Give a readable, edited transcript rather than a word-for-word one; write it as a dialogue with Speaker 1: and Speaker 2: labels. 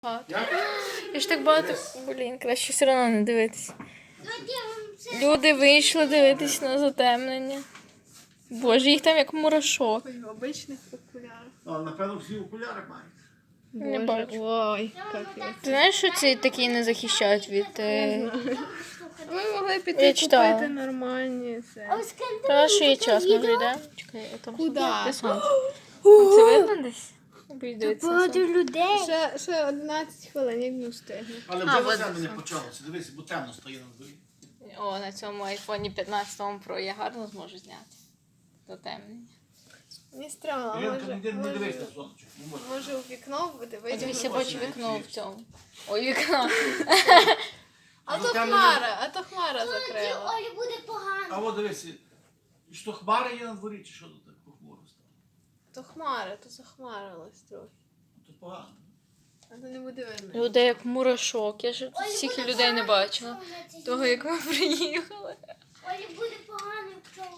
Speaker 1: Я ж так багато... Блін, краще все одно не дивитися. Люди вийшли дивитись на затемнення. Боже, їх там як мурашок.
Speaker 2: В обичних окулярах.
Speaker 3: Напевно, всі окуляри мають.
Speaker 1: Не бачу.
Speaker 2: Ой, капець.
Speaker 1: Ти знаєш, що ці такі не захищають від...
Speaker 2: Ви могли
Speaker 1: Я
Speaker 2: піти
Speaker 1: читала.
Speaker 2: купити нормальні це.
Speaker 1: Та що є час, ми вже йдемо? Чекай, я там...
Speaker 2: Куда?
Speaker 1: Де сонце? Це видно десь? Дивитися на сонце.
Speaker 4: людей.
Speaker 2: Ще 11 хвилин, як не встигне.
Speaker 3: Але
Speaker 1: А,
Speaker 3: вже
Speaker 1: от
Speaker 3: затемнення
Speaker 1: це.
Speaker 3: почалося. Дивись, бо темно стає на дворі.
Speaker 1: О, на цьому айфоні 15 Pro я гарно зможу зняти. Затемнення.
Speaker 2: Не стрьомно,
Speaker 3: Іринка, не
Speaker 2: може,
Speaker 3: дивись на сонечко. Не можна.
Speaker 2: може у вікно буде
Speaker 1: Дивись,
Speaker 2: вийти.
Speaker 1: я бачу вікно в цьому. Ой, вікно.
Speaker 2: А то хмара закрила.
Speaker 4: Олі буде погано.
Speaker 3: А от дивись, що хмари є на дворі, чи що тут так похмуро стало?
Speaker 2: То хмара, то захмарилось трохи.
Speaker 3: То погано.
Speaker 2: А то не буде видно.
Speaker 1: Людей як мурашок. Я ж тут стільки людей не бачила. Того, як ми приїхали.
Speaker 4: Олі буде погано, якщо